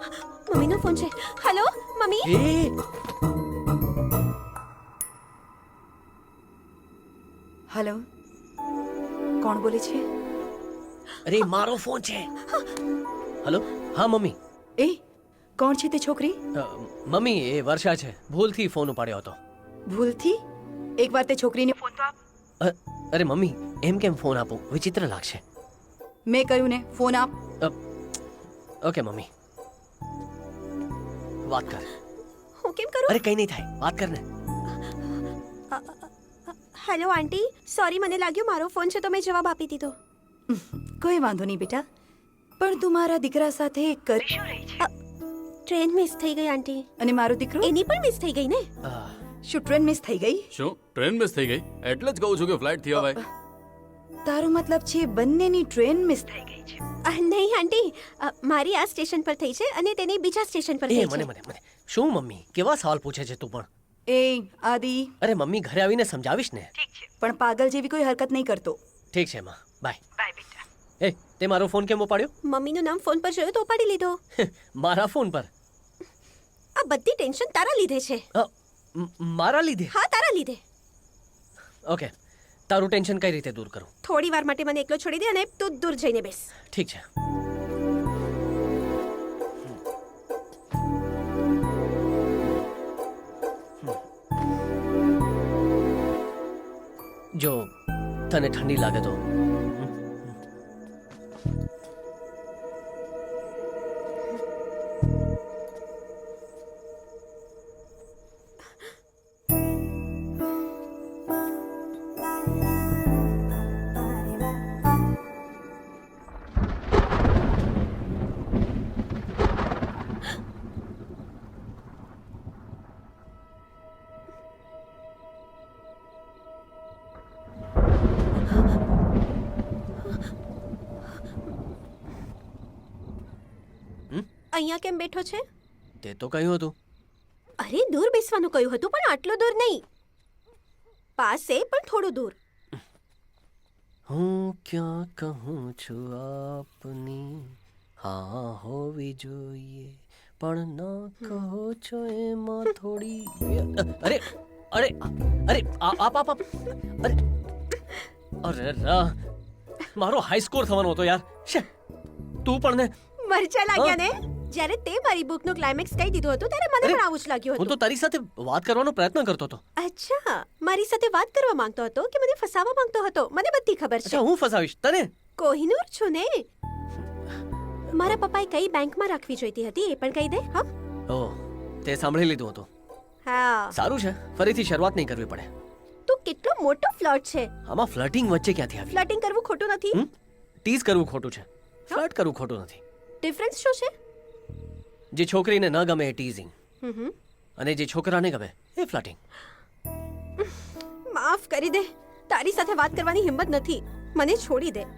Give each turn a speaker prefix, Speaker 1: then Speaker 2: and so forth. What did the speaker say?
Speaker 1: મમ્મીનો ફોન છે. Hello mummy.
Speaker 2: Hello, કોણ બોલે છે?
Speaker 3: અરે મારો ફોન છે. હેલો. હા મમ્મી.
Speaker 2: એ કોણ છે તે છોકરી?
Speaker 3: મમ્મી એ વર્ષા છે. ભૂલથી ફોન ઉપાડ્યો હતો.
Speaker 2: ભૂલથી? એકવાર તે છોકરીને ફોન તો આપ.
Speaker 3: અરે મમ્મી એમ કેમ ફોન આપું? વિચિત્ર લાગશે.
Speaker 2: મેં કહ્યું ને, ફોન આપ.
Speaker 3: ઓકે મમ્મી વાત કર.
Speaker 1: હું કેમ કરું?
Speaker 3: અરે કઈ નહીં થાય, વાત કર ને.
Speaker 1: હેલો આંટી, સોરી મને લાગ્યું મારો ફોન છે તો મેં જવાબ આપી દીધો.
Speaker 2: કોઈ વાંધો નહીં બેટા, પણ તું મારા દીકરા સાથે કરી શું રહી છે?
Speaker 1: ટ્રેન મિસ થઈ ગઈ આંટી.
Speaker 2: અને મારો દીકરો?
Speaker 1: એની પણ મિસ થઈ ગઈ ને.
Speaker 2: શું ટ્રેન મિસ થઈ ગઈ?
Speaker 4: શું ટ્રેન મિસ થઈ ગઈ? એટલે જ કહું છું કે ફ્લાઇટ થી અવાય.
Speaker 2: તારો મતલબ છે બંનેની ટ્રેન મિસ થઈ ગઈ છે?
Speaker 1: નહીં આંટી, મારી આ સ્ટેશન પર થઈ છે અને તેની બીજા સ્ટેશન પર
Speaker 3: એ
Speaker 1: થઈ
Speaker 3: મને
Speaker 1: છે.
Speaker 3: મને મને શું મમ્મી કેવા સવાલ પૂછે છે તું પણ?
Speaker 2: એ આદિ,
Speaker 3: અરે મમ્મી ઘરે આવીને સમજાવીશ ને.
Speaker 2: પણ પાગલ જેવી કોઈ હરકત નહીં કરતો.
Speaker 3: ઠીક છે માં, બાય.
Speaker 2: બાય બેટા.
Speaker 3: એ તે મારો ફોન કેમ ઉપાડ્યો?
Speaker 1: મમ્મીનું નામ ફોન પર જોયું તો ઉપાડી લીધો.
Speaker 3: મારા ફોન પર?
Speaker 1: આ બધી ટેન્શન તારા લીધે છે.
Speaker 3: મારા લીધે?
Speaker 1: હા તારા લીધે.
Speaker 3: ઓકે, તારું ટેન્શન કઈ રીતે દૂર કરું?
Speaker 1: થોડી વાર માટે મને એકલો છોડી દે અને તું દૂર જઈને બેસ.
Speaker 3: ઠીક છે. જો તને ઠંડી લાગે તો
Speaker 1: અહીંયા કેમ બેઠો છે?
Speaker 3: તે તો કહ્યું હતું.
Speaker 1: અરે દૂર બેસવાનું કહ્યું હતું પણ આટલું દૂર નહીં. પાસે પણ થોડું દૂર.
Speaker 3: હું ક્યાં કહું છું આપની હા હોવી જોઈએ પણ ના કહો છો એમાં થોડી અરે અરે અરે આપ આપ આપ અરે અરે રા મારો હાઈ સ્કોર થવાનો હતો યાર. શે તું પણ ને
Speaker 1: મરચા લાગ્યા ને. જ્યારે તે મારી બુકનું ક્લાઇમેક્સ કહી દીધું હતું ત્યારે મને પણ આવું જ લાગ્યું
Speaker 3: હું તો
Speaker 1: હતું.
Speaker 3: તારી સાથે વાત કરવાનો પ્રયત્ન કરતો હતો.
Speaker 1: અચ્છા, મારી સાથે વાત કરવા માંગતો હતો કે મને ફસાવવા માંગતો હતો? મને બધી ખબર છે.
Speaker 3: અચ્છા હું ફસાવીશ તને?
Speaker 1: કોહિનૂર છું ને. મારા પપ્પાએ કઈ બેંકમાં રાખવી જોઈતી હતી એ પણ કહી દે. હા
Speaker 3: ઓહ, તે સાંભળી લીધું હતું.
Speaker 1: હા.
Speaker 3: સારું છે, ફરીથી શરૂઆત નહીં કરવી પડે.
Speaker 1: તું કેટલો મોટો ફ્લર્ટ છે.
Speaker 3: આમાં ફ્લર્ટિંગ વચ્ચે ક્યાંથી આવી?
Speaker 1: ફ્લર્ટિંગ કરવું ખોટું નથી.
Speaker 3: ટીઝ કરવું ખોટું છે, ફ્લર્ટ કરવું ખોટું નથી.
Speaker 1: ડિફરન્સ શું છે?
Speaker 3: જે છોકરીને ન ગમે એ ટીઝિંગ
Speaker 1: હમ.
Speaker 3: અને જે છોકરાને ગમે એ ફ્લર્ટિંગ.
Speaker 1: માફ કરી દે, તારી સાથે વાત કરવાની હિંમત નથી. મને છોડી દે.